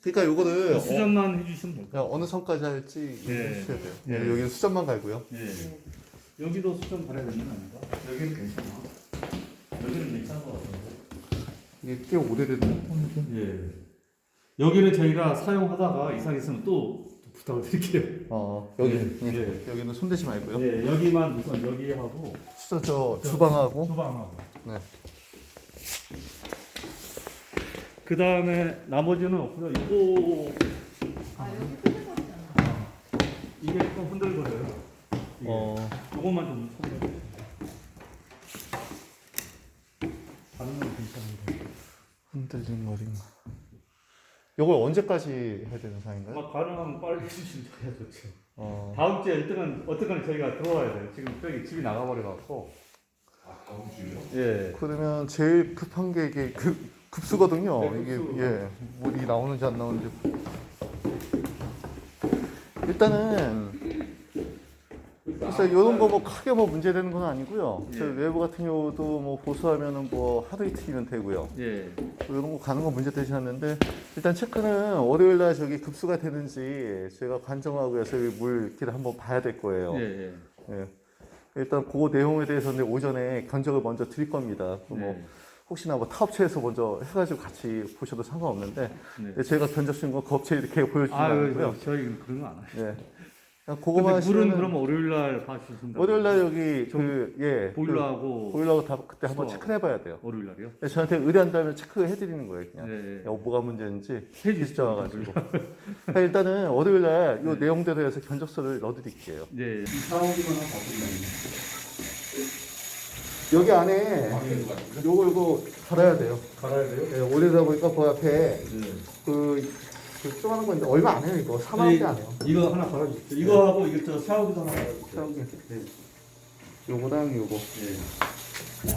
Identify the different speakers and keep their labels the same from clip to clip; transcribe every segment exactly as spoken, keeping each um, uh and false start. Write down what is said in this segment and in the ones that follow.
Speaker 1: 그러니까 요거를
Speaker 2: 수정만 해주시면 될
Speaker 1: 어,
Speaker 2: 거예요.
Speaker 1: 어느 선까지 할지
Speaker 2: 네.
Speaker 1: 해주셔야 돼요.
Speaker 2: 네.
Speaker 1: 네. 여기는 수점만 갈고요.
Speaker 2: 예. 여기도 수정 바라야 되는 거 아닌가? 여기는 괜찮아. 여기는 괜찮은 것 같은데.
Speaker 1: 이게 꽤 오래된 폰인데.
Speaker 2: 예. 여기는 저희가 사용하다가 이상 있으면 또, 또 부탁을 드릴게요.
Speaker 1: 어 여기
Speaker 2: 예.
Speaker 1: 예. 여기는 손대지 말고요.
Speaker 2: 예, 여기만 우선 여기하고
Speaker 1: 수저 저 주방하고.
Speaker 2: 주방하고.
Speaker 1: 네.
Speaker 2: 그 다음에 나머지는 없고요. 이거
Speaker 3: 아 여기 흔들거리잖아.
Speaker 2: 이게 좀 흔들거려요. 이게.
Speaker 1: 어
Speaker 2: 이것만 좀 손대요. 다른 건 괜찮은데.
Speaker 1: 흔들린 머리만. 요걸 언제까지 해야 되는 상인가요?
Speaker 2: 막 가능하면 빨리 해주시면 저희가 좋죠.
Speaker 1: 어.
Speaker 2: 다음 주에 어쨌든 어쨌든 저희가 들어와야 돼요. 지금 저기 집이 나가버려 갖고.
Speaker 4: 아, 다음 주요?
Speaker 2: 예.
Speaker 1: 그러면 제일 급한 게 이게 급 급수거든요.
Speaker 2: 네,
Speaker 1: 이게
Speaker 2: 급수.
Speaker 1: 예 물이 나오는지 안 나오는지. 일단은 그래서 이런 거 뭐 크게 뭐 문제되는 건 아니고요.
Speaker 2: 예.
Speaker 1: 저 외부 같은 경우도 뭐 보수하면은 뭐 하루 이틀이면 되고요.
Speaker 2: 예.
Speaker 1: 이런 거 가는 거 문제 되지 않는데 일단 체크는 월요일 날 저기 급수가 되는지 제가 관정하고요. 저기 물기를 한번 봐야 될 거예요.
Speaker 2: 예. 예.
Speaker 1: 예. 일단 그 내용에 대해서는 오전에 견적을 먼저 드릴 겁니다. 그 뭐
Speaker 2: 네.
Speaker 1: 혹시나 뭐 타업체에서 먼저 해가지고 같이 보셔도 상관없는데
Speaker 2: 네.
Speaker 1: 제가 견적 쓴 거 그 업체 이렇게 보여주지
Speaker 2: 아유,
Speaker 1: 않고요.
Speaker 2: 저희 그런 거 안 해요.
Speaker 1: 예. 그냥
Speaker 2: 근데
Speaker 1: 그거만
Speaker 2: 물은
Speaker 1: 하시면은
Speaker 2: 그러면 월요일 날 봐주신다.
Speaker 1: 월요일 날 여기
Speaker 2: 좀
Speaker 1: 그 예.
Speaker 2: 보일러하고
Speaker 1: 그 보일러하고 다 그때 한번
Speaker 2: 수도하고.
Speaker 1: 체크해 봐야 돼요.
Speaker 2: 월요일 날이요?
Speaker 1: 네, 저한테 의뢰한다면 체크해 드리는 거예요, 그냥.
Speaker 2: 네.
Speaker 1: 야, 뭐가 문제인지
Speaker 2: 해주시죠.
Speaker 1: 와가지고. 일단은 월요일 날 이
Speaker 2: 네.
Speaker 1: 내용대로 해서 견적서를 넣어드릴게요.
Speaker 2: 네.
Speaker 4: 사오기만 하고 바꾸면
Speaker 1: 여기 안에
Speaker 4: 방에도 가지고.
Speaker 1: 요거 요거 갈아야 돼요.
Speaker 2: 갈아야 돼요?
Speaker 1: 예, 올리다 보니까 그 앞에
Speaker 2: 네.
Speaker 1: 그, 그 조그마한 건데 얼마 안 해요 이거 사만 원대 안 해요.
Speaker 2: 이거 하나 갈아주십시오. 이거하고 이거 저 샤워기도 하나 갈아주세요.
Speaker 1: 샤워기.
Speaker 2: 네.
Speaker 1: 요거랑 요거.
Speaker 2: 네.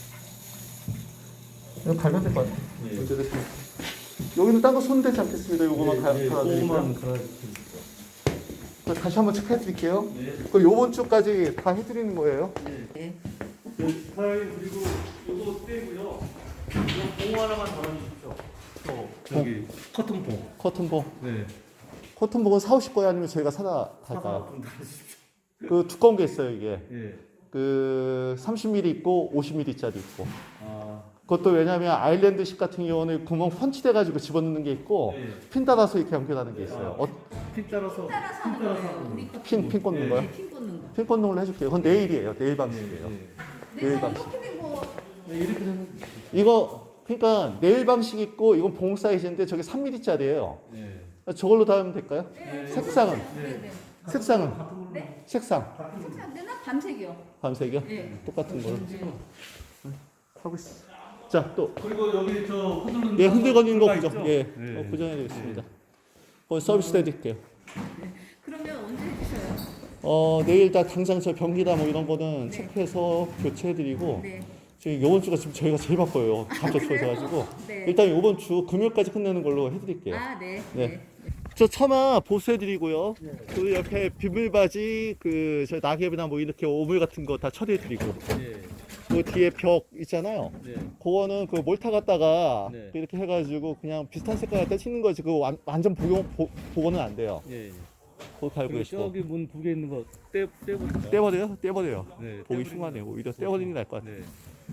Speaker 1: 이거 갈면 될 것 같아요.
Speaker 2: 예.
Speaker 1: 문제 됐습니다. 여기는 딴 거 손대지 않겠습니다. 요거만 가-
Speaker 2: 네,
Speaker 1: 갈아드리고요.
Speaker 2: 조금만 갈아주십시오.
Speaker 1: 그 다시 한번 체크해 드릴게요.
Speaker 2: 네.
Speaker 1: 그 요번 주까지 다 해드리는 거예요.
Speaker 3: 네.
Speaker 2: 그 사장님 그리고 이거 떼고요. 이거 봉 하나만 달아주십시오. 저 저기 커튼봉.
Speaker 1: 커튼봉.
Speaker 2: 네.
Speaker 1: 커튼봉은 사오실 거예요? 아니면 저희가 사다
Speaker 2: 사과
Speaker 1: 갈까요?
Speaker 2: 좀 달아주십시오.
Speaker 1: 그 두꺼운 게 있어요 이게.
Speaker 2: 예.
Speaker 1: 그 삼십 밀리미터 있고 오십 밀리미터짜리 있고.
Speaker 2: 아.
Speaker 1: 그것도 왜냐하면 아일랜드식 같은 경우는 구멍 펀치돼 가지고 집어넣는 게 있고
Speaker 2: 네.
Speaker 1: 핀 따라서 이렇게 연결하는 게 있어요. 어,
Speaker 2: 핀 따라서
Speaker 3: 따라서
Speaker 2: 핀
Speaker 3: 하는
Speaker 2: 따라서
Speaker 3: 거예요.
Speaker 2: 하는
Speaker 3: 우리
Speaker 2: 거.
Speaker 3: 거.
Speaker 1: 핀, 핀 꽂는
Speaker 2: 네.
Speaker 1: 거요?
Speaker 3: 네, 핀 꽂는 거.
Speaker 1: 핀 꽂는 걸로 해줄게요. 그건 내일이에요. 내일 방식이에요.
Speaker 2: 네.
Speaker 1: 내일
Speaker 3: 내가
Speaker 1: 방식.
Speaker 3: 이렇게 된거
Speaker 2: 네. 이렇게 되면
Speaker 1: 이거 그러니까 내일 방식 있고 이건 봉 사이즈인데 저게 삼 밀리미터짜리예요.
Speaker 2: 네.
Speaker 1: 저걸로 닿으면 될까요?
Speaker 2: 네.
Speaker 1: 색상은?
Speaker 3: 네, 네.
Speaker 1: 색상은?
Speaker 2: 같은 걸로.
Speaker 3: 네?
Speaker 1: 색상
Speaker 3: 색상 안 되나? 밤색이요.
Speaker 1: 밤색이요?
Speaker 3: 네.
Speaker 1: 똑같은 걸로
Speaker 3: 네.
Speaker 1: 하고 있어. 자 또.
Speaker 2: 그리고 여기 저 흔들리는
Speaker 1: 예, 흔들거리는 거
Speaker 2: 들어가
Speaker 1: 구정.
Speaker 2: 있죠?
Speaker 1: 예,
Speaker 2: 네.
Speaker 1: 어, 구정해 드리겠습니다. 거기 서비스 해드릴게요.
Speaker 3: 그러면 언제 해주셔요?
Speaker 1: 어, 내일 다 당장 저 변기다 뭐 이런 거는
Speaker 3: 네.
Speaker 1: 체크해서 교체해드리고
Speaker 3: 네.
Speaker 1: 지금 이번 주가 지금 저희가 제일 바빠요. 갑자기 추워져가지고
Speaker 3: 네.
Speaker 1: 일단 이번 주 금요일까지 끝내는 걸로 해드릴게요.
Speaker 3: 아, 네.
Speaker 1: 네.
Speaker 3: 네.
Speaker 1: 저 처마 보수해드리고요. 그 옆에 비물바지 그 저 낙엽이나 뭐 이렇게 오물 같은 거 다 처리해드리고
Speaker 2: 네.
Speaker 1: 그 뒤에 벽 있잖아요.
Speaker 2: 네.
Speaker 1: 그거는 그 몰타 갖다가
Speaker 2: 네.
Speaker 1: 이렇게 해가지고 그냥 비슷한 색깔 갖다 치는 거지. 그거 완, 완전 복용 보, 복원은 안 돼요.
Speaker 2: 예.
Speaker 1: 그거 갈고
Speaker 2: 그리고
Speaker 1: 계시고
Speaker 2: 저기 문 두 개 있는 거 떼, 떼버릴까요?
Speaker 1: 떼버려요? 떼버려요.
Speaker 2: 네.
Speaker 1: 보기
Speaker 2: 떼버리는
Speaker 1: 흉하네요.
Speaker 2: 거.
Speaker 1: 오히려 떼버리는 게 나을 것 같아요.
Speaker 2: 네.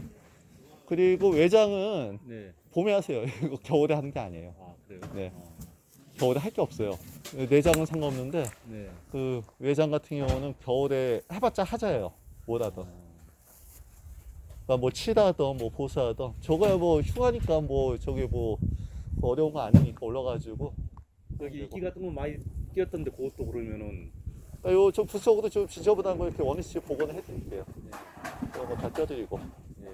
Speaker 1: 그리고 외장은
Speaker 2: 네.
Speaker 1: 봄에 하세요. 이거 겨울에 하는 게 아니에요.
Speaker 2: 아, 그래요?
Speaker 1: 네.
Speaker 2: 어.
Speaker 1: 겨울에 할 게 없어요. 내장은 상관없는데
Speaker 2: 네.
Speaker 1: 그 외장 같은 경우는 겨울에 해봤자 하자예요. 뭐라도. 그러니까 뭐 칠하던 뭐 보수하던 저거야 뭐 흉하니까 뭐 저기 뭐 어려운 거 아니니까 올라가지고
Speaker 2: 여기 이끼 같은 거 많이 끼었던데 그것도 그러면은
Speaker 1: 그러니까 요좀 부속으로 좀 지저분한 거 이렇게 원위치 복원을 해드릴게요. 이거 다 떼어드리고
Speaker 2: 예.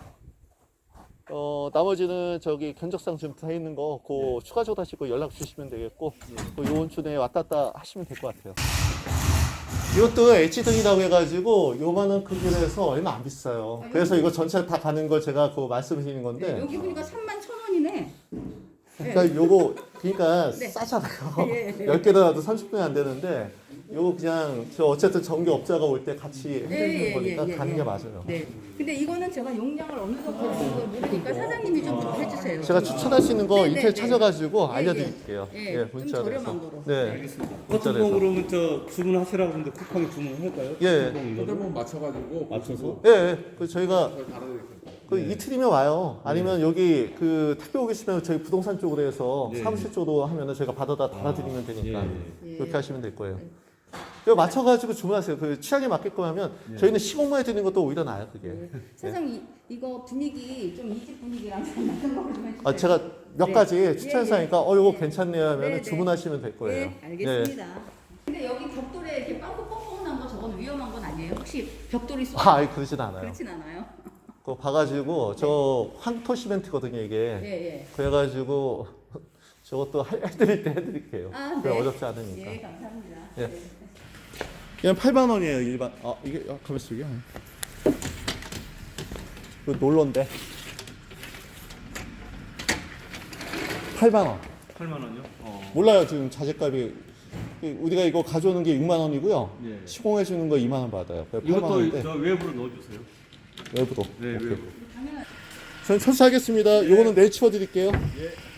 Speaker 1: 어 나머지는 저기 견적상 좀 다 있는 거 그
Speaker 2: 네.
Speaker 1: 추가적으로 하시고 연락 주시면 되겠고
Speaker 2: 네.
Speaker 1: 그 요번 주 내에 왔다 갔다 하시면 될 것 같아요. 이것도 H등이라고 해가지고 요만한 크기로 해서 얼마 안 비싸요.
Speaker 3: 아,
Speaker 1: 그래서 이거 전체 다 가는 걸 제가 그 말씀드리는
Speaker 3: 네.
Speaker 1: 건데
Speaker 3: 여기 보니까 삼만 천 원이네.
Speaker 1: 그러니까 요거 그러니까
Speaker 3: 네.
Speaker 1: 싸잖아요.
Speaker 3: 예, 예.
Speaker 1: 열 개도 놔도 삼십 분이 안 되는데 요거 그냥 저 어쨌든 전기업자가 올 때 같이 해주는
Speaker 3: 예, 예,
Speaker 1: 거니까
Speaker 3: 예, 예,
Speaker 1: 가는
Speaker 3: 예.
Speaker 1: 게 맞아요.
Speaker 3: 네. 근데 이거는 제가 용량을 어느 정도 되는 걸 모르니까 사장님이 좀 해주세요.
Speaker 1: 제가 추천할 수 있는 거
Speaker 3: 네,
Speaker 1: 인터넷
Speaker 3: 네,
Speaker 1: 찾아가지고
Speaker 3: 예,
Speaker 1: 알려드릴게요.
Speaker 3: 예.
Speaker 1: 예,
Speaker 3: 좀
Speaker 1: 문자로 해서.
Speaker 3: 저렴한 거로.
Speaker 1: 네,
Speaker 2: 알겠습니다.
Speaker 1: 문자로 해서.
Speaker 2: 커튼봉 그러면 저 주문하시라고 하는데 쿠팡에 주문할까요?
Speaker 1: 예.
Speaker 2: 커튼봉 이거를?
Speaker 4: 그러면 맞춰가지고
Speaker 2: 맞춰서?
Speaker 1: 예, 예. 그 저희가
Speaker 4: 저희 달아드릴게요.
Speaker 1: 그 이틀이면 와요. 아니면 여기 그 택배 오기 싫으면 저희 부동산 쪽으로 해서
Speaker 2: 네.
Speaker 1: 사무실 쪽으로 하면은 저희가 받아다 달아드리면 되니까
Speaker 2: 예,
Speaker 3: 예.
Speaker 1: 그렇게 하시면 될 거예요. 그거 맞춰가지고 주문하세요. 그 취향에 맞게끔 하면 저희는 시공만 해드리는 것도 오히려 나아요, 그게.
Speaker 3: 네. 사장님 이거 분위기 좀 이 집 분위기랑 좀 맞는 거로 좀 해주세요.
Speaker 1: 아, 제가 몇
Speaker 3: 네.
Speaker 1: 가지
Speaker 3: 예,
Speaker 1: 추천사니까
Speaker 3: 예.
Speaker 1: 어, 이거
Speaker 3: 네.
Speaker 1: 괜찮네요 하면
Speaker 3: 네,
Speaker 1: 은
Speaker 3: 네.
Speaker 1: 주문하시면 될 거예요.
Speaker 3: 네, 알겠습니다. 근데 여기 벽돌에 이렇게 빵꾸 뻥뻥한 거 저건 위험한 건 아니에요? 혹시 벽돌이 쏘?
Speaker 1: 아, 아니, 그러진 않아요.
Speaker 3: 그렇진 않아요.
Speaker 1: 그거 봐가지고 저 황토 시멘트거든요, 이게.
Speaker 3: 예, 예.
Speaker 1: 그래가지고 저것도 할- 해드릴 때 해드릴게요.
Speaker 3: 아,
Speaker 1: 그래
Speaker 3: 네.
Speaker 1: 어렵지 않으니까.
Speaker 3: 예, 감사합니다.
Speaker 1: 예.
Speaker 3: 네.
Speaker 1: 그냥 팔만 원이에요, 일반. 아, 이게 아, 가만 있어, 이게. 그 놀러인데. 팔만 원.
Speaker 2: 팔만 원요? 어.
Speaker 1: 몰라요, 지금 자재값이. 우리가 이거 가져오는 게 육만 원이고요.
Speaker 2: 예.
Speaker 1: 시공해 주는 거 이만 원 받아요. 그래서 팔만
Speaker 2: 이것도
Speaker 1: 원인데
Speaker 2: 저 외부로 넣어주세요.
Speaker 1: 외부도.
Speaker 2: 네,
Speaker 1: 오케이.
Speaker 2: 외부.
Speaker 3: 당연한.
Speaker 1: 저는 철수하겠습니다. 요거는 내일 치워 드릴게요.
Speaker 2: 예.